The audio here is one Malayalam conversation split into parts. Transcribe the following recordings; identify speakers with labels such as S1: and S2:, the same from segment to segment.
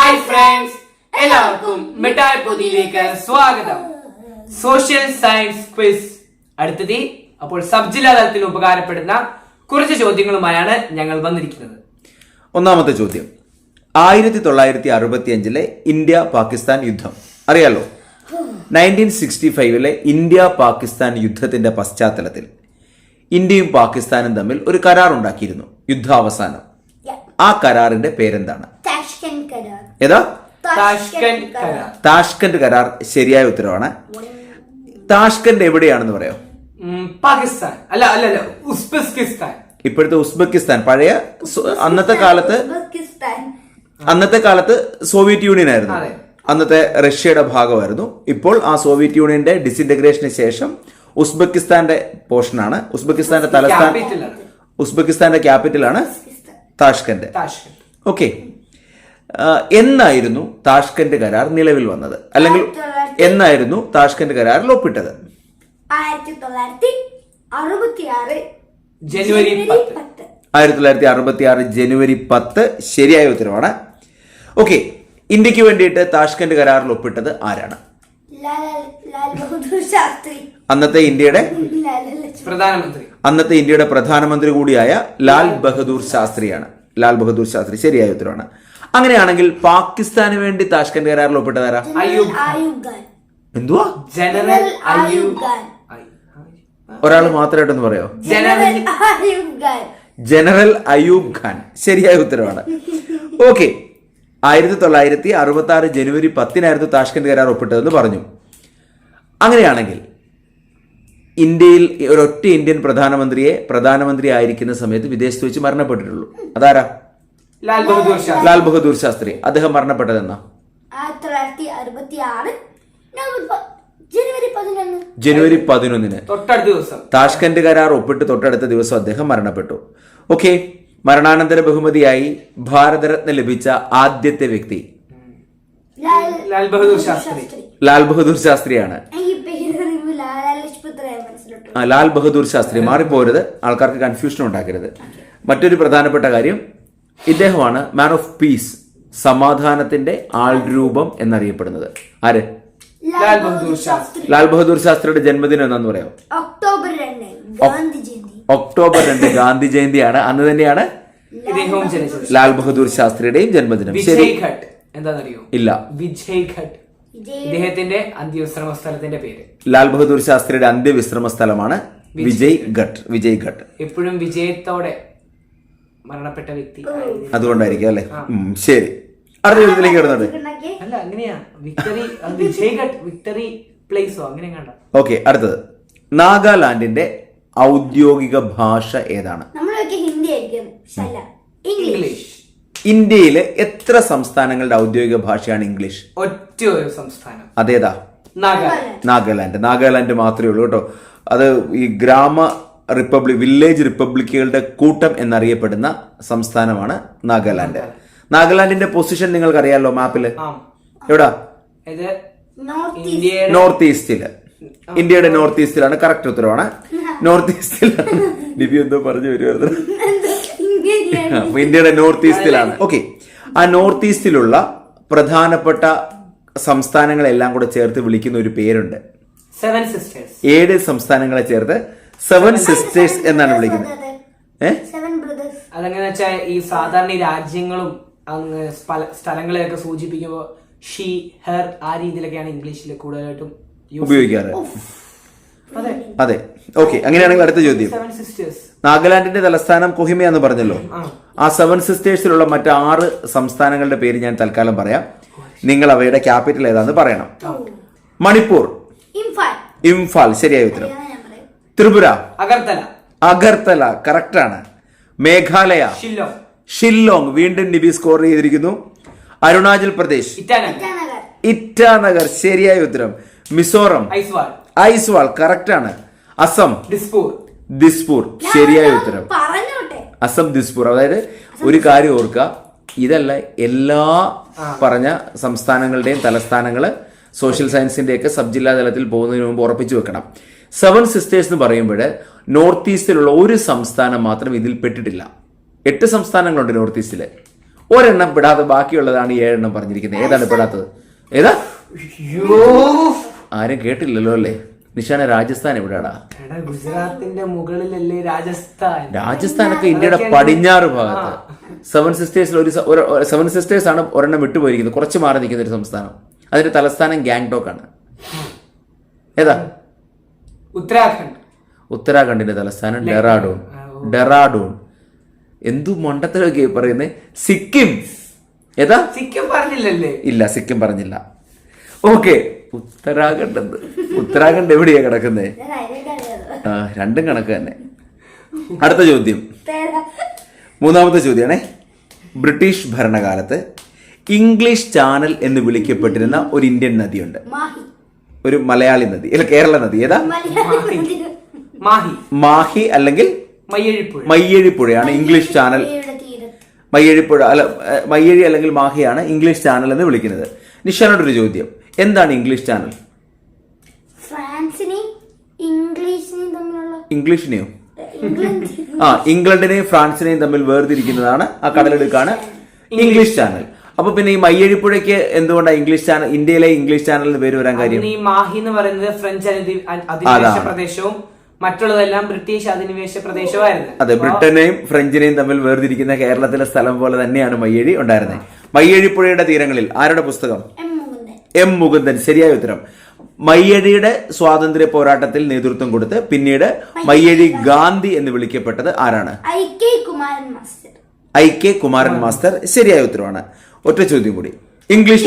S1: ഹായ് ഫ്രണ്ട്സ്, എല്ലാവർക്കും മിഠായി പൊതിയിലേക്ക് സ്വാഗതം. സോഷ്യൽ സയൻസ് ക്വിസ് അടുത്തത്. അപ്പോൾ സബ് ജില്ലാ തലത്തിൽ ഉപകാരപ്പെടുന്ന കുറച്ച് ചോദ്യങ്ങളുമായാണ് ഞങ്ങൾ വന്നിരിക്കുന്നത്.
S2: ഒന്നാമത്തെ ചോദ്യം, 1965 ഇന്ത്യ പാകിസ്ഥാൻ യുദ്ധം അറിയാലോ. 1965 ഇന്ത്യ പാകിസ്ഥാൻ യുദ്ധത്തിന്റെ പശ്ചാത്തലത്തിൽ ഇന്ത്യയും പാകിസ്ഥാനും തമ്മിൽ ഒരു കരാർ ഉണ്ടാക്കിയിരുന്നു. യുദ്ധാവസാനം ആ കരാറിന്റെ പേരെന്താണ്? ഏതാ? താഷ്കന്റ് കരാർ ശരിയായ ഉത്തരവാണ്. താഷ്കന്റ് എവിടെയാണെന്ന് പറയാം?
S1: പാകിസ്ഥാൻ അല്ല, ഉസ്ബെക്കിസ്ഥാൻ.
S2: ഇപ്പോഴത്തെ ഉസ്ബെക്കിസ്ഥാൻ പഴയ അന്നത്തെ കാലത്ത് സോവിയറ്റ് യൂണിയൻ ആയിരുന്നു. അന്നത്തെ റഷ്യയുടെ ഭാഗമായിരുന്നു. ഇപ്പോൾ ആ സോവിയറ്റ് യൂണിയന്റെ ഡിസിന്റഗ്രേഷന് ശേഷം ഉസ്ബെക്കിസ്ഥാന്റെ പോർഷനാണ്. ഉസ്ബെക്കിസ്ഥാന്റെ ക്യാപിറ്റലാണ് താഷ്കന്റ്. ഓക്കെ, എന്നായിരുന്നു താഷ്കന്റ് കരാർ നിലവിൽ വന്നത്, അല്ലെങ്കിൽ എന്നായിരുന്നു താഷ്കന്റ് കരാറിൽ ഒപ്പിട്ടത്? 1966 ജനുവരി 10 ശരിയായ ഉത്തരവാണ്. ഓക്കെ, ഇന്ത്യക്ക് വേണ്ടിയിട്ട് താഷ്കന്റ് കരാറിൽ ഒപ്പിട്ടത് ആരാണ്? അന്നത്തെ ഇന്ത്യയുടെ പ്രധാനമന്ത്രി കൂടിയായ ലാൽ ബഹദൂർ ശാസ്ത്രിയാണ്. ലാൽ ബഹദൂർ ശാസ്ത്രി ശരിയായ ഉത്തരവാണ്. അങ്ങനെയാണെങ്കിൽ പാകിസ്ഥാന് വേണ്ടി താഷ്കന്റ് കരാറിൽ ഒപ്പിട്ടതാരാ? എന്തുവാ? ഒരാൾ മാത്രമായിട്ടൊന്ന് പറയോ? ജനറൽ അയൂബ് ഖാൻ ശരിയായ ഉത്തരവാണ്. ഓക്കെ, 1966 ജനുവരി 10 താഷ്കന്റ് കരാർ ഒപ്പിട്ടതെന്ന് പറഞ്ഞു. അങ്ങനെയാണെങ്കിൽ ഇന്ത്യയിൽ ഒരൊറ്റ ഇന്ത്യൻ പ്രധാനമന്ത്രി ആയിരിക്കുന്ന സമയത്ത് വിദേശത്ത് വെച്ച് മരണപ്പെട്ടിട്ടുള്ളൂ. അതാരാ? ലാൽ ബഹദൂർ ശാസ്ത്രി. അദ്ദേഹം മരണപ്പെട്ടതെന്നാ? ജനുവരി 11 താഷ്കന്റ് കരാർ ഒപ്പിട്ട് തൊട്ടടുത്ത ദിവസം അദ്ദേഹം മരണപ്പെട്ടു. ഓക്കെ, മരണാനന്തര ബഹുമതിയായി ഭാരതരത്ന ലഭിച്ച ആദ്യത്തെ വ്യക്തി ലാൽ ബഹദൂർ ശാസ്ത്രിയാണ്. ലാൽ ബഹദൂർ ശാസ്ത്രി മാറിപ്പോരുത്, ആൾക്കാർക്ക് കൺഫ്യൂഷൻ ഉണ്ടാക്കരുത്. മറ്റൊരു പ്രധാനപ്പെട്ട കാര്യം, ഇദ്ദേഹമാണ് മാൻ ഓഫ് പീസ്, സമാധാനത്തിന്റെ ആൾരൂപം എന്നറിയപ്പെടുന്നത്. ആര്? ലാൽ ബഹദൂർ ശാസ്ത്രിയുടെ ജന്മദിനം എന്നാന്ന് പറയാം? ഒക്ടോബർ 2 ഗാന്ധി ജയന്തിയാണ്. അന്ന് തന്നെയാണ് ലാൽ ബഹദൂർ ശാസ്ത്രിയുടെയും ജന്മദിനം. ശരി,
S1: എന്താണെന്നറിയോ?
S2: ഇല്ല.
S1: വിജയ് ഘട്ട്, ഇദ്ദേഹത്തിന്റെ അന്ത്യവിശ്രമ സ്ഥലത്തിന്റെ പേര്.
S2: ലാൽ ബഹദൂർ ശാസ്ത്രിയുടെ അന്ത്യവിശ്രമ സ്ഥലമാണ് വിജയ് ഘട്ട്. എപ്പോഴും
S1: വിജയത്തോടെ മരണപ്പെട്ട വ്യക്തി
S2: അതുകൊണ്ടായിരിക്കും അല്ലെ? ശരി, അടുത്ത ചോദ്യത്തിലേക്ക് വരുന്നുണ്ട്.
S1: അല്ല, അങ്ങനെയാ. വിജയ് ഘട്ട് വിക്ടറി പ്ലേസോ അങ്ങനെ കണ്ട.
S2: ഓക്കെ, അടുത്തത്, നാഗാലാൻഡിന്റെ ഔദ്യോഗിക ഭാഷ ഏതാണ്?
S1: ഇംഗ്ലീഷ്.
S2: ഇന്ത്യയിലെ എത്ര സംസ്ഥാനങ്ങളുടെ ഔദ്യോഗിക ഭാഷയാണ് ഇംഗ്ലീഷ്?
S1: ഒറ്റ ഒരു സംസ്ഥാനം.
S2: അതേതാ? നാഗാലാൻഡ് മാത്രമേ ഉള്ളൂ കേട്ടോ. അത് ഈ വില്ലേജ് റിപ്പബ്ലിക്കുകളുടെ കൂട്ടം എന്നറിയപ്പെടുന്ന സംസ്ഥാനമാണ് നാഗാലാൻഡ്. നാഗാലാൻഡിന്റെ പൊസിഷൻ നിങ്ങൾക്ക് അറിയാലോ മാപ്പില്? എവിടാ? നോർത്ത് ഈസ്റ്റില്. ഇന്ത്യയുടെ നോർത്ത് ഈസ്റ്റിലാണ്. കറക്റ്റ് ഉത്തരവാണ്. നോർത്ത് ഈസ്റ്റിലാണ്. ലിപി എന്തോ പറഞ്ഞു വരുമായിരുന്നു. ഇന്ത്യയുടെ നോർത്ത് ഈസ്റ്റിലാണ്. ഓക്കെ, ആ നോർത്ത് ഈസ്റ്റിലുള്ള പ്രധാനപ്പെട്ട സംസ്ഥാനങ്ങളെല്ലാം കൂടെ ചേർത്ത് വിളിക്കുന്ന ഒരു പേരുണ്ട്. 7 സംസ്ഥാനങ്ങളെ ചേർത്ത് 7 സിസ്റ്റേഴ്സ് എന്നാണ് വിളിക്കുന്നത്.
S1: അതെങ്ങനെ വെച്ചാൽ ഈ സാധാരണ രാജ്യങ്ങളും സ്ഥലങ്ങളെയൊക്കെ സൂചിപ്പിക്കുമ്പോൾ ഷീ, ഹെർ, ആ രീതിയിലൊക്കെയാണ് ഇംഗ്ലീഷിൽ കൂടുതലായിട്ടും
S2: ഉപയോഗിക്കാറ്. അതെ, ഓക്കെ. അങ്ങനെയാണെങ്കിൽ അടുത്ത ചോദ്യം, നാഗാലാൻഡിന്റെ തലസ്ഥാനം കൊഹിമ എന്ന് പറഞ്ഞല്ലോ. ആ 7 സിസ്റ്റേഴ്സിലുള്ള മറ്റ് 6 സംസ്ഥാനങ്ങളുടെ പേര് ഞാൻ തൽക്കാലം പറയാം. നിങ്ങൾ അവയുടെ ക്യാപിറ്റൽ ഏതാന്ന് പറയണം. മണിപ്പൂർ, ഇംഫാൽ ശരിയായ ഉത്തരം. ത്രിപുര, അഗർത്തല കറക്റ്റ് ആണ്. മേഘാലയ, ഷില്ലോങ് വീണ്ടും നിബി സ്കോർ ചെയ്തിരിക്കുന്നു. അരുണാചൽ പ്രദേശ്, ഇറ്റാനഗർ ശരിയായ ഉത്തരം. മിസോറം, ഐസ്വാൾ കറക്റ്റ് ആണ്. അസം, ദിസ്പൂർ ശരിയായ ഉത്തരം. അസം ദിസ്പൂർ. അതായത് ഒരു കാര്യം ഓർക്കുക, ഇതല്ല എല്ലാ പറഞ്ഞ സംസ്ഥാനങ്ങളുടെയും തലസ്ഥാനങ്ങള് സോഷ്യൽ സയൻസിന്റെ ഒക്കെ സബ് ജില്ലാ തലത്തിൽ പോകുന്നതിന് മുമ്പ് ഉറപ്പിച്ചു വെക്കണം. 7 സിസ്റ്റേഴ്സ് എന്ന് പറയുമ്പോൾ നോർത്ത് ഈസ്റ്റിലുള്ള ഒരു സംസ്ഥാനം മാത്രം ഇതിൽ പെട്ടിട്ടില്ല. 8 സംസ്ഥാനങ്ങളുണ്ട് നോർത്ത് ഈസ്റ്റില്. ഒരെണ്ണം പെടാതെ ബാക്കിയുള്ളതാണ് 7 എണ്ണം പറഞ്ഞിരിക്കുന്നത്. ഏതാണ് പെടാത്തത്? ഏതാ? ആരും കേട്ടില്ലല്ലോ അല്ലേ? നിഷാന, രാജസ്ഥാൻ എവിടെയാടാ?
S1: ഗുജറാത്തിന്റെ മുകളിലല്ലേ രാജസ്ഥാൻ?
S2: രാജസ്ഥാനൊക്കെ ഇന്ത്യയുടെ പടിഞ്ഞാറ് ഭാഗത്ത്. 7 സിസ്റ്റേഴ്സിൽ ഒരു 7 സിസ്റ്റേഴ്സ് ആണ് ഒരെണ്ണം വിട്ടുപോയിരിക്കുന്നത്, കുറച്ച് മാറി നിൽക്കുന്ന ഒരു സംസ്ഥാനം. അതിന്റെ തലസ്ഥാനം ഗാംഗ്ടോക്ക് ആണ്. ഏതാ?
S1: ഉത്തരാഖണ്ഡ്.
S2: ഉത്തരാഖണ്ഡിന്റെ തലസ്ഥാനം ഡെറാഡൂൺ. എന്തു മണ്ടത്തിലൊക്കെ പറയുന്നത്? സിക്കിം. ഏതാ?
S1: സിക്കിം പറഞ്ഞില്ലല്ലേ?
S2: ഇല്ല, സിക്കിം പറഞ്ഞില്ല. ഓക്കെ, ഉത്തരാഖണ്ഡ് എവിടെയാ കിടക്കുന്നത്? രണ്ടും കണക്ക് തന്നെ. അടുത്ത ചോദ്യം, മൂന്നാമത്തെ ചോദ്യമാണേ. ബ്രിട്ടീഷ് ഭരണകാലത്ത് ഇംഗ്ലീഷ് ചാനൽ എന്ന് വിളിക്കപ്പെട്ടിരുന്ന ഒരു ഇന്ത്യൻ നദിയുണ്ട്, ഒരു മലയാളി നദി, അല്ല കേരള നദി. ഏതാ? മാഹി അല്ലെങ്കിൽ മയ്യഴിപ്പുഴയാണ് ഇംഗ്ലീഷ് ചാനൽ. മയ്യഴിപ്പുഴ അല്ല, മയ്യഴി അല്ലെങ്കിൽ മാഹിയാണ് ഇംഗ്ലീഷ് ചാനൽ എന്ന് വിളിക്കുന്നത്. നിഷാനോടൊരു ചോദ്യം, എന്താണ് ഇംഗ്ലീഷ് ചാനൽ? ഇംഗ്ലീഷിനെയോ? ഇംഗ്ലണ്ടിനെയും ഫ്രാൻസിനെയും തമ്മിൽ വേർതിരിക്കുന്നതാണ് ആ കടലെടുക്കാണ് ഇംഗ്ലീഷ് ചാനൽ. അപ്പൊ പിന്നെ ഈ മയ്യഴിപ്പുഴയ്ക്ക് എന്തുകൊണ്ടാണ് ഇംഗ്ലീഷ് ചാനൽ, ഇന്ത്യയിലെ ഇംഗ്ലീഷ് ചാനലിന് പേര് വരാൻ കാര്യം?
S1: ഈ മാഹി എന്ന് പറയുന്നത് ഫ്രഞ്ച് അധിനിവേശ പ്രദേശവും മറ്റുള്ളതെല്ലാം ബ്രിട്ടീഷ് അധിനിവേശ പ്രദേശമായിരുന്നു.
S2: അതെ, ബ്രിട്ടനെയും ഫ്രഞ്ചിനെയും തമ്മിൽ വേർതിരിക്കുന്ന കേരളത്തിലെ സ്ഥലം പോലെ തന്നെയാണ് മയ്യഴി ഉണ്ടായിരുന്നത്. മയ്യഴിപ്പുഴയുടെ തീരങ്ങളിൽ ആരുടെ പുസ്തകം? എം മുകുന്ദൻ. ശരിയായ ഉത്തരം. മയ്യഴിയുടെ സ്വാതന്ത്ര്യ പോരാട്ടത്തിൽ നേതൃത്വം കൊടുത്ത് പിന്നീട് മയ്യഴി ഗാന്ധി എന്ന് വിളിക്കപ്പെട്ടത് ആരാണ്? I K Kumaran master. ശരിയായ ഉത്തരവാണ്. ഒറ്റ ചോദ്യം കൂടി. ഇംഗ്ലീഷ്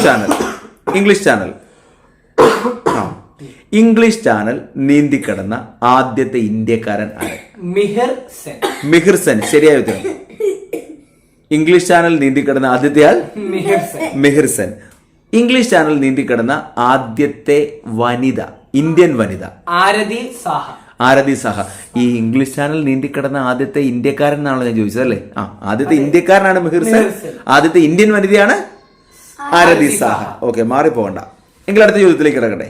S2: ചാനൽ നീന്തിക്കടന്ന ആദ്യത്തെ ഇന്ത്യക്കാരൻ ആര്? മിഹിർ സെൻ. ശരിയായ ഉത്തരം. ഇംഗ്ലീഷ് ചാനൽ നീന്തിക്കടന്ന ആദ്യത്തെ ആൾ മിഹിർ സെൻ. ഇംഗ്ലീഷ് ചാനൽ നീന്തിക്കിടന്ന ആദ്യത്തെ വനിത, ഇന്ത്യൻ വനിത, ആരതി സാഹ. ഈ ഇംഗ്ലീഷ് ചാനൽ നീന്തിക്കിടന്ന ആദ്യത്തെ ഇന്ത്യക്കാരൻ എന്നാണല്ലോ ഞാൻ ചോദിച്ചത് അല്ലേ? ആദ്യത്തെ ഇന്ത്യക്കാരനാണ് മിഹിർ സെൻ, ആദ്യത്തെ ഇന്ത്യൻ വനിതയാണ് ആരതി സാഹ. ഓക്കെ, മാറിപ്പോകണ്ട. എങ്കിൽ അടുത്ത ചോദ്യത്തിലേക്ക് കിടക്കട്ടെ.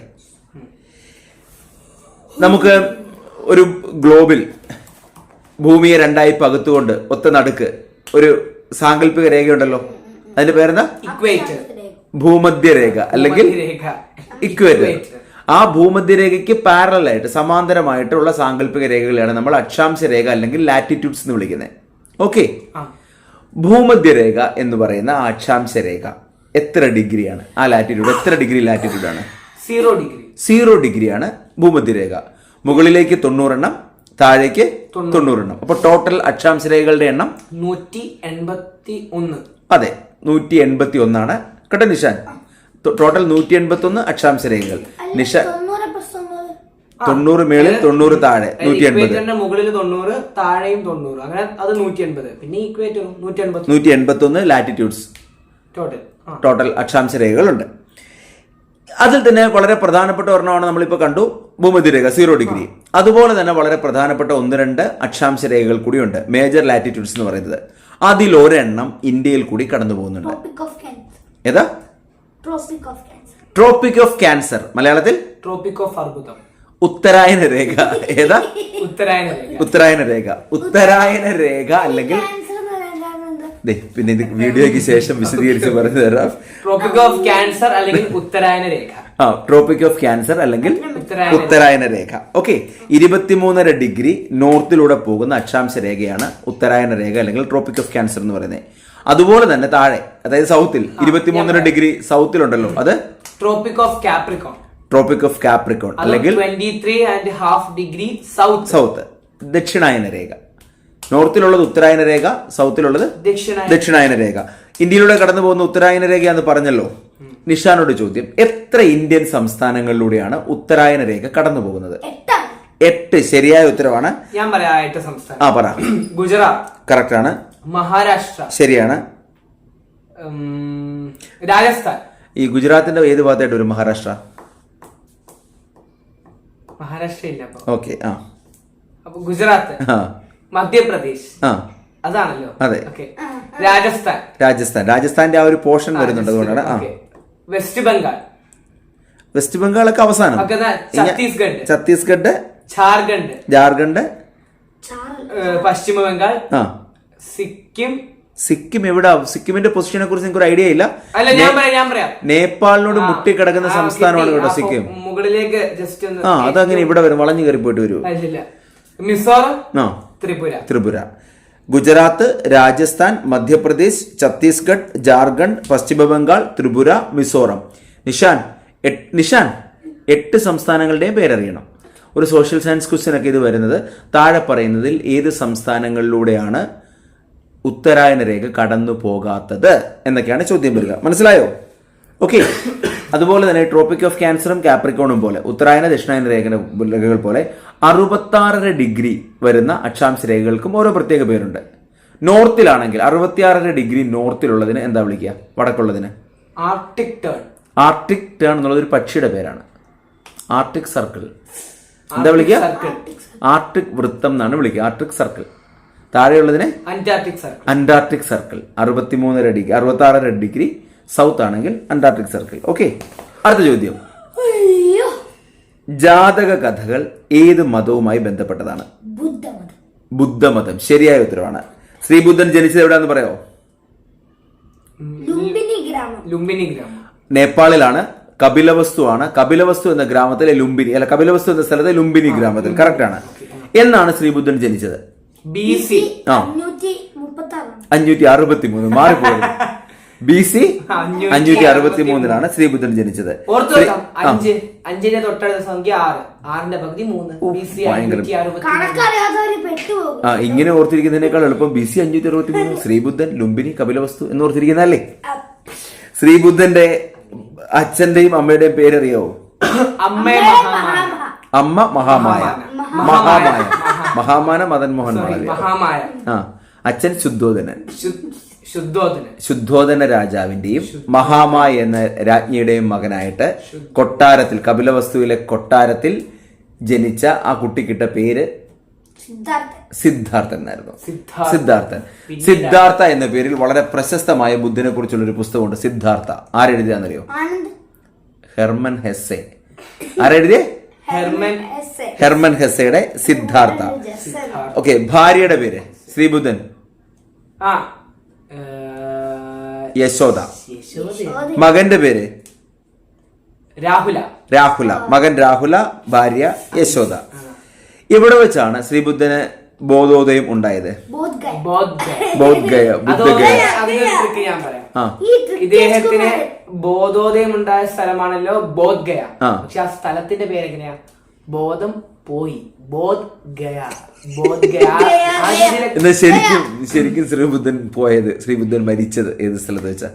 S2: നമുക്ക് ഒരു ഗ്ലോബിൽ ഭൂമിയെ രണ്ടായി പകുത്തുകൊണ്ട് ഒത്ത നടുക്ക് ഒരു സാങ്കല്പിക രേഖയുണ്ടല്ലോ, അതിന്റെ പേരെന്താ?
S1: ഇക്വേറ്റർ.
S2: ഭൂമധ്യരേഖ അല്ലെങ്കിൽ ഇക്വേറ്റർ. ആ ഭൂമധ്യരേഖയ്ക്ക് പാരലായിട്ട് സമാന്തരമായിട്ടുള്ള സാങ്കല്പിക രേഖകളെയാണ് നമ്മൾ അക്ഷാംശ രേഖ അല്ലെങ്കിൽ ലാറ്റിറ്റ്യൂഡ്സ് എന്ന് വിളിക്കുന്നത്. ഓക്കെ, ഭൂമധ്യരേഖ എന്ന് പറയുന്ന ആ അക്ഷാംശ രേഖ എത്ര ഡിഗ്രിയാണ്? ആ ലാറ്റിറ്റ്യൂഡ് എത്ര ഡിഗ്രി ലാറ്റിറ്റ്യൂഡാണ്? 0 ഡിഗ്രിയാണ് ഭൂമധ്യരേഖ. മുകളിലേക്ക് 90 എണ്ണം, താഴേക്ക് 90 എണ്ണം. അപ്പൊ ടോട്ടൽ അക്ഷാംശ രേഖകളുടെ എണ്ണം
S1: 181.
S2: അതെ, 181 ആണ് കേട്ടോ നിഷാൻ. ടോട്ടൽ 181 അക്ഷാംശ രേഖകൾ. നിഷാൻ 90 മേളിൽ 90 താഴെ 180.
S1: മുകളിൽ 90 താഴെയും 90, അങ്ങനെ അത് 180. പിന്നെ ഇക്വേറ്റർ
S2: 181 ലാറ്റിറ്റ്യൂഡ്സ് ടോട്ടൽ അക്ഷാംശ രേഖകളുണ്ട്. അതിൽ തന്നെ വളരെ പ്രധാനപ്പെട്ട ഒരെണ്ണമാണ് നമ്മളിപ്പോൾ കണ്ടു, ഭൂമധ്യരേഖ 0 ഡിഗ്രി. അതുപോലെ തന്നെ വളരെ പ്രധാനപ്പെട്ട 1-2 അക്ഷാംശ രേഖകൾ കൂടിയുണ്ട്, മേജർ ലാറ്റിറ്റ്യൂഡ്സ് എന്ന് പറയുന്നത്. അതിലൊരെണ്ണം ഇന്ത്യയിൽ കൂടി കടന്നു പോകുന്നുണ്ട്. ഏതാ? Tropic of cancer. മലയാളത്തിൽ
S1: ട്രോപ്പിക് ഓഫ് അർബുദം.
S2: ഉത്തരായന രേഖ. ഏതാ? ഉത്തരായന രേഖ അല്ലെങ്കിൽ പിന്നെ ഇത് വീഡിയോയ്ക്ക് ശേഷം വിശദീകരിച്ച് പറഞ്ഞു തരാം.
S1: ട്രോപ്പിക് ഓഫ് ക്യാൻസർ അല്ലെങ്കിൽ ഉത്തരായന രേഖ.
S2: ട്രോപ്പിക് ഓഫ് ക്യാൻസർ അല്ലെങ്കിൽ ഉത്തരായന രേഖ. ഓക്കെ, 23.5 ഡിഗ്രി നോർത്തിലൂടെ പോകുന്ന അക്ഷാംശ രേഖയാണ് ഉത്തരായന രേഖ അല്ലെങ്കിൽ ട്രോപ്പിക് ഓഫ് ക്യാൻസർ എന്ന് പറയുന്നത്. അതുപോലെ തന്നെ താഴെ, അതായത് സൗത്തിൽ 23.5 ഡിഗ്രി സൗത്തിലുണ്ടല്ലോ, അത്
S1: tropic of Capricorn.
S2: Tropic of Capricorn അല്ലെങ്കിൽ
S1: 23.5 ഡിഗ്രി സൗത്ത്.
S2: ദക്ഷിണായന രേഖ. നോർത്തിലുള്ളത് ഉത്തരായന രേഖ, സൗത്തിലുള്ളത് ദക്ഷിണായന രേഖ. ഇന്ത്യയിലൂടെ കടന്നു പോകുന്ന ഉത്തരായന രേഖ എന്ന് പറഞ്ഞല്ലോ. നിഷാനോട് ചോദ്യം, എത്ര ഇന്ത്യൻ സംസ്ഥാനങ്ങളിലൂടെയാണ് ഉത്തരായന രേഖ കടന്നു പോകുന്നത്? 8. ശരിയായ ഉത്തരവാണ്.
S1: ഞാൻ പറയാം 8 സംസ്ഥാനം.
S2: പറ.
S1: ഗുജറാത്ത്
S2: കറക്റ്റ് ആണ്.
S1: മഹാരാഷ്ട്ര
S2: ശരിയാണ്.
S1: രാജസ്ഥാൻ.
S2: ഈ ഗുജറാത്തിന്റെ ഏത് ഭാഗത്തായിട്ട് വരും മഹാരാഷ്ട്ര?
S1: മഹാരാഷ്ട്ര ഇല്ല.
S2: ഓക്കെ,
S1: അപ്പൊ ഗുജറാത്ത്, മധ്യപ്രദേശ് അതാണല്ലോ.
S2: അതെ. രാജസ്ഥാന്റെ ആ ഒരു പോർഷൻ വരുന്നുണ്ട്, അതുകൊണ്ടാണ്. വെസ്റ്റ് ബംഗാളൊക്കെ അവസാനം. ഛത്തീസ്ഗഡ്,
S1: ജാർഖണ്ഡ്, പശ്ചിമ ബംഗാൾ, സിക്കിം,
S2: സിക്കിം എവിടെ? സിക്കിമിന്റെ പൊസിഷനെ കുറിച്ച് നിങ്ങൾക്ക് ഒരു ഐഡിയ ഇല്ല.
S1: അല്ല, ഞാൻ പറയാം.
S2: നേപ്പാളിനോട് മുട്ടിക്കിടക്കുന്ന സംസ്ഥാനമാണ് കേട്ടോ സിക്കിം.
S1: മുകളിലേക്ക് ജസ്റ്റ് ഒന്ന്
S2: അതങ്ങനെ ഇവിടെ വരും, വളഞ്ഞു കയറി പോയിട്ട് വരും.
S1: മിസോറം,
S2: ത്രിപുര, ഗുജറാത്ത്, രാജസ്ഥാൻ, മധ്യപ്രദേശ്, ഛത്തീസ്ഗഡ്, ജാർഖണ്ഡ്, പശ്ചിമ ബംഗാൾ, ത്രിപുര, മിസോറം. നിഷാൻ 8 സംസ്ഥാനങ്ങളുടെയും പേരറിയണം. ഒരു സോഷ്യൽ സയൻസ് ക്വസ്റ്റ്യൻ ഒക്കെ ഇത് വരുന്നത് താഴെ പറയുന്നതിൽ ഏത് സംസ്ഥാനങ്ങളിലൂടെയാണ് ഉത്തരായന രേഖ കടന്നു പോകാത്തത് എന്നൊക്കെയാണ് ചോദ്യം വരിക. മനസ്സിലായോ? ഓക്കെ. അതുപോലെ തന്നെ ട്രോപ്പിക് ഓഫ് ക്യാൻസറും കാപ്രിക്കോണും പോലെ ഉത്തരായന ദക്ഷിണായന രേഖകൾ പോലെ 66 ഡിഗ്രി വരുന്ന അക്ഷാംശ രേഖകൾക്കും ഓരോ പ്രത്യേക പേരുണ്ട്. നോർത്തിലാണെങ്കിൽ 66 ഡിഗ്രി നോർത്തിലുള്ളതിന് എന്താ വിളിക്കുക? വടക്കുള്ളതിന് ആർട്ടിക് ടേൺ എന്നുള്ളത് ഒരു പക്ഷിയുടെ പേരാണ്. ആർട്ടിക് സർക്കിൾ എന്താ വിളിക്കുക? ആർട്ടിക് വൃത്തം എന്നാണ് വിളിക്കുക. Arctic circle. താഴെയുള്ളതിനെ അന്റാർട്ടിക് സർക്കിൾ. 66 ഡിഗ്രി സൗത്ത് ആണെങ്കിൽ അന്റാർട്ടിക് സർക്കിൾ. ഓക്കെ. അടുത്ത ചോദ്യം, ജാതക കഥകൾ ഏത് മതവുമായി ബന്ധപ്പെട്ടതാണ്? ബുദ്ധമതം. ശരിയായ ഉത്തരവാണ്. ശ്രീബുദ്ധൻ ജനിച്ചത് എവിടെയാന്ന് പറയാമോ?
S3: ലുംബിനി ഗ്രാമം.
S2: നേപ്പാളിലാണ്. കപിലവസ്തു ആണ്. കപിലവസ്തു എന്ന ഗ്രാമത്തിലെ ലുംബിനി, അല്ല, കപിലവസ്തു എന്ന സ്ഥലത്തെ ലുംബിനി ഗ്രാമത്തിൽ. കറക്റ്റ് ആണ്. എന്നാണ് ശ്രീബുദ്ധൻ ജനിച്ചത്?
S1: BC
S2: 563. മാറിപ്പോയത്. BC 563 ശ്രീബുദ്ധൻ ജനിച്ചത്.
S1: അഞ്ചിന്റെ തൊട്ടടുത്ത സംഖ്യ 6ന്റെ പകുതി 3. BC 563.
S2: ഇങ്ങനെ ഓർത്തിരിക്കുന്നതിനേക്കാൾ എളുപ്പം BC 563 ശ്രീബുദ്ധൻ, ലുംബിനി, കപിലവസ്തു എന്ന് ഓർത്തിരിക്കുന്നതല്ലേ? ശ്രീബുദ്ധന്റെ അച്ഛന്റെയും അമ്മയുടെയും പേരറിയാവോ? അമ്മ മഹാമായ. മഹാമാന മദൻ മോഹൻ മാളവ്യ. അച്ഛൻ ശുദ്ധോധന രാജാവിന്റെയും മഹാമായ എന്ന രാജ്ഞിയുടെയും മകനായിട്ട് കൊട്ടാരത്തിൽ, കപിലവസ്തുവിലെ കൊട്ടാരത്തിൽ ജനിച്ച ആ കുട്ടിക്കിട്ട പേര് സിദ്ധാർത്ഥൻ എന്നായിരുന്നു. സിദ്ധാർത്ഥ എന്ന പേരിൽ വളരെ പ്രശസ്തമായ ബുദ്ധനെ കുറിച്ചുള്ള ഒരു പുസ്തകമുണ്ട്, സിദ്ധാർത്ഥ. ആരെഴുതിയാന്നറിയോ? Hermann Hesse. ആരെഴുതിയ? ഹെർമൻ ഹെസ്സയുടെ സിദ്ധാർത്ഥ. ഓക്കെ. ഭാര്യയുടെ പേര്? ശ്രീബുദ്ധൻ യശോദ. മകന്റെ പേര്? രാഹുല. മകൻ രാഹുല, ഭാര്യ യശോദ. ഇവിടെ വെച്ചാണ് ശ്രീബുദ്ധന് ബോധോദയം ഉണ്ടായത്. ബോധ്ഗയ.
S1: ഇദ്ദേഹത്തിന് ബോധോദയം ഉണ്ടായ സ്ഥലമാണല്ലോ ബോധ്ഗയ. പക്ഷെ ആ സ്ഥലത്തിന്റെ പേര് എങ്ങനെയാ? ബോധം പോയി.
S2: എന്നാ ശരിക്കും ശ്രീബുദ്ധൻ പോയത്, ശ്രീബുദ്ധൻ മരിച്ചത് ഏത് സ്ഥലത്ത് വെച്ചാ?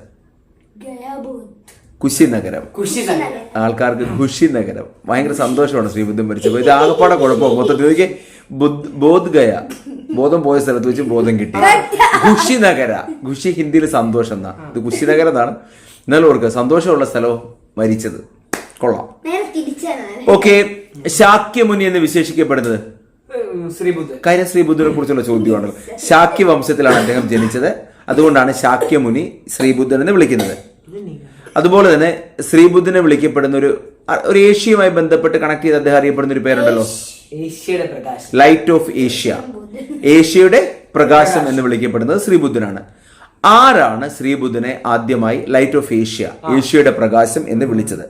S2: കുശിനഗരം. ആൾക്കാർക്ക് കുശിനഗരം ഭയങ്കര സന്തോഷമാണ് ശ്രീബുദ്ധൻ മരിച്ചപ്പോൾ. ഇത് ആകപ്പാടെ കുഴപ്പം മൊത്തത്തിൽ ബോധ്ഗയ, ബോധം പോയ സ്ഥലത്ത് വെച്ച് ബോധം കിട്ടി. ഖുഷിനഗര. ഖുഷി ഹിന്ദിയിൽ സന്തോഷം എന്നാ. ഇത് കുശിനഗരം എന്നാണ്. എന്നാലും ഓർക്കുക, സന്തോഷമുള്ള സ്ഥലവും മരിച്ചത്. കൊള്ളാം. ഓക്കെ. ശാക്യമുനി എന്ന് വിശേഷിക്കപ്പെടുന്നത് കാര്യം ശ്രീബുദ്ധനെ കുറിച്ചുള്ള ചോദ്യമാണ്. ശാക്യ വംശത്തിലാണ് അദ്ദേഹം ജനിച്ചത്. അതുകൊണ്ടാണ് ശാക്യമുനി ശ്രീബുദ്ധൻ എന്ന് വിളിക്കുന്നത്. അതുപോലെ തന്നെ ശ്രീബുദ്ധനെ വിളിക്കപ്പെടുന്ന ഒരു ഏഷ്യയുമായി ബന്ധപ്പെട്ട് കണക്ട് ചെയ്ത് അദ്ദേഹം അറിയപ്പെടുന്ന ഒരു പേരുണ്ടല്ലോ, ലൈറ്റ് ഓഫ് ഏഷ്യ. ഏഷ്യയുടെ പ്രകാശം എന്ന് വിളിക്കപ്പെടുന്നത് ശ്രീബുദ്ധനാണ്. ആരാണ് ശ്രീബുദ്ധനെ ആദ്യമായി ലൈറ്റ് ഓഫ് ഏഷ്യ, ഏഷ്യയുടെ പ്രകാശം എന്ന് വിളിച്ചത്?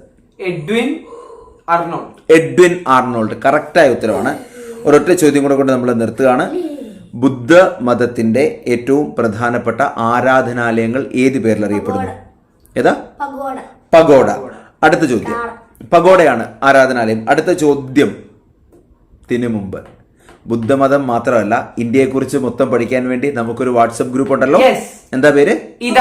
S2: Edwin Arnold. കറക്റ്റായ ഉത്തരവാണ്. ഒരൊറ്റ ചോദ്യം കൂടെ കൊണ്ട് നമ്മൾ നിർത്തുകയാണ്. ബുദ്ധ മതത്തിന്റെ ഏറ്റവും പ്രധാനപ്പെട്ട ആരാധനാലയങ്ങൾ ഏത് പേരിൽ അറിയപ്പെടുന്നു? ഏതാ? പഗോഡ. അടുത്ത ചോദ്യം, പഗോഡയാണ് ആരാധനാലയം. അടുത്ത ചോദ്യത്തിന് മുമ്പ്, ബുദ്ധമതം മാത്രമല്ല ഇന്ത്യയെക്കുറിച്ച് മൊത്തം പഠിക്കാൻ വേണ്ടി നമുക്കൊരു വാട്സപ്പ് ഗ്രൂപ്പ് ഉണ്ടല്ലോ. എന്താ പേര്?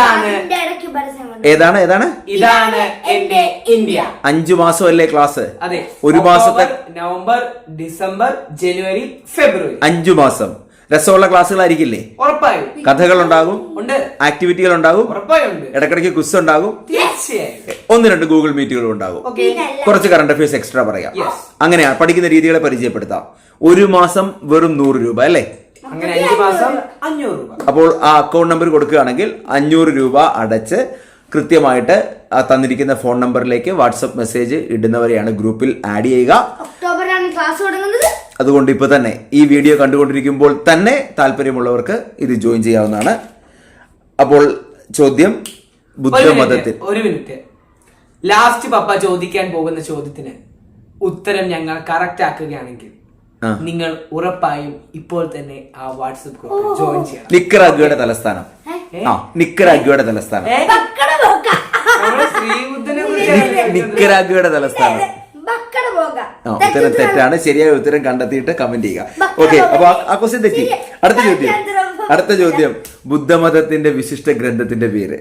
S2: ഏതാണ്
S1: എന്റെ ഇന്ത്യ.
S2: 5 മാസമല്ലേ ക്ലാസ്?
S1: അതെ.
S2: ഒരു മാസത്തെ
S1: നവംബർ, ഡിസംബർ, ജനുവരി, ഫെബ്രുവരി 5
S2: മാസം. രസമുള്ള ക്ലാസ്സുകളായിരിക്കില്ലേ?
S1: ഉറപ്പായും.
S2: കഥകൾ ഉണ്ടാകും, ആക്ടിവിറ്റികൾ ഉണ്ടാകും, ഇടക്കിടയ്ക്ക് ക്വിസ് ഉണ്ടാകും, 1-2 ഗൂഗിൾ മീറ്റുകളും ഉണ്ടാകും, കുറച്ച് കറണ്ട് അഫയേഴ്സ് എക്സ്ട്രാ പറയാം. അങ്ങനെയാ പഠിക്കുന്ന രീതികളെ പരിചയപ്പെടുത്താം. ഒരു മാസം വെറും 100 രൂപ അല്ലേ?
S1: അങ്ങനെ 5 മാസം 500 രൂപ.
S2: അപ്പോൾ ആ അക്കൗണ്ട് നമ്പർ കൊടുക്കുകയാണെങ്കിൽ 500 രൂപ അടച്ച് കൃത്യമായിട്ട് തന്നിരിക്കുന്ന ഫോൺ നമ്പറിലേക്ക് വാട്സപ്പ് മെസ്സേജ് ഇടുന്നവരെയാണ് ഗ്രൂപ്പിൽ ആഡ് ചെയ്യുക.
S3: ഒക്ടോബറിലാണ് ക്ലാസ് തുടങ്ങുന്നത്.
S2: അതുകൊണ്ട് ഇപ്പൊ തന്നെ ഈ വീഡിയോ കണ്ടുകൊണ്ടിരിക്കുമ്പോൾ തന്നെ താല്പര്യമുള്ളവർക്ക് ഇത് ജോയിൻ ചെയ്യാവുന്നതാണ്. അപ്പോൾ ചോദ്യം ബുദ്ധമതത്തിൽ
S1: ഒരു മിനിറ്റ്. ലാസ്റ്റ് പപ്പ ചോദിക്കാൻ പോകുന്ന ചോദ്യത്തിന് ഉത്തരം ഞങ്ങൾ കറക്റ്റ് ആക്കുകയാണെങ്കിൽ നിങ്ങൾ ഉറപ്പായും ഇപ്പോൾ തന്നെ ആ വാട്സ്ആപ്പ് ഗ്രൂപ്പിൽ ജോയിൻ ചെയ്യണം.
S2: നിക്കറാഗ്വയുടെ തലസ്ഥാനം. നിക്കറാഗ്വയുടെ തലസ്ഥാനം.
S1: ശ്രീബുദ്ധനെ
S2: നിക്കറാഗ്വയുടെ തലസ്ഥാനം. ഉത്തരം തെറ്റാണ്. ശരിയായ ഉത്തരം കണ്ടെത്തിയിട്ട് കമന്റ് ചെയ്യുക. ഓക്കെ, അപ്പൊ ആ ക്വസ്റ്റ്യൻ തെറ്റി. അടുത്ത ചോദ്യം ബുദ്ധമതത്തിന്റെ വിശിഷ്ട ഗ്രന്ഥത്തിന്റെ പേര്.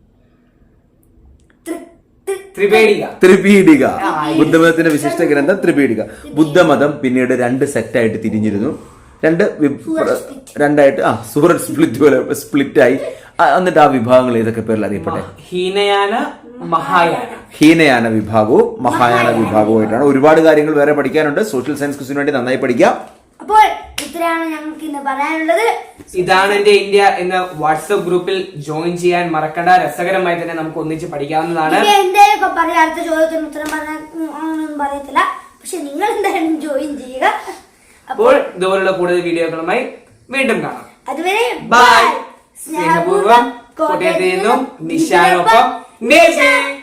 S2: ത്രിപീഡിക. ബുദ്ധമതത്തിന്റെ വിശിഷ്ട ഗ്രന്ഥം ത്രിപീഡിക. ബുദ്ധമതം പിന്നീട് 2 സെറ്റായിട്ട് തിരിഞ്ഞിരുന്നു. രണ്ടായിട്ട് സൂറത്ത് സ്പ്ലിറ്റ് ആയി. എന്നിട്ട് ആ വിഭാഗങ്ങൾ ഏതൊക്കെ പേരിൽ അറിയപ്പെട്ടെ? ഹീനയാന വിഭാഗവും മഹായാന വിഭാഗവുമായിട്ടാണ്. ഒരുപാട് കാര്യങ്ങൾ വേറെ പഠിക്കാനുണ്ട്. സോഷ്യൽ സയൻസ് ക്വിസിന് വേണ്ടി നന്നായി പഠിക്കാം.
S3: അപ്പോൾ ഇത്രയാണ് ഞങ്ങൾക്ക് ഇന്ന് പറയാനുള്ളത്.
S1: ഇതാണ് എന്റെ ഇന്ത്യ എന്ന വാട്സ്ആപ്പ് ഗ്രൂപ്പിൽ ജോയിൻ ചെയ്യാൻ മറക്കണ്ട. രസകരമായി തന്നെ നമുക്ക് ഒന്നിച്ച് പഠിക്കാവുന്നതാണ്.
S3: എന്തെങ്കിലും പറയാം, അടുത്ത ചോദ്യത്തിന് ഉത്തരം പറയാനൊന്നും പറയത്തില്ല, പക്ഷെ നിങ്ങൾ എന്തായാലും ജോയിൻ ചെയ്യുക.
S1: അപ്പോൾ ഇതുപോലുള്ള കൂടുതൽ വീഡിയോകളുമായി വീണ്ടും കാണാം.
S3: അതുവരെ
S1: ബൈ. സ്നേഹപൂർവ്വം കോട്ടയത്ത് നിന്നും നിശാനൊപ്പം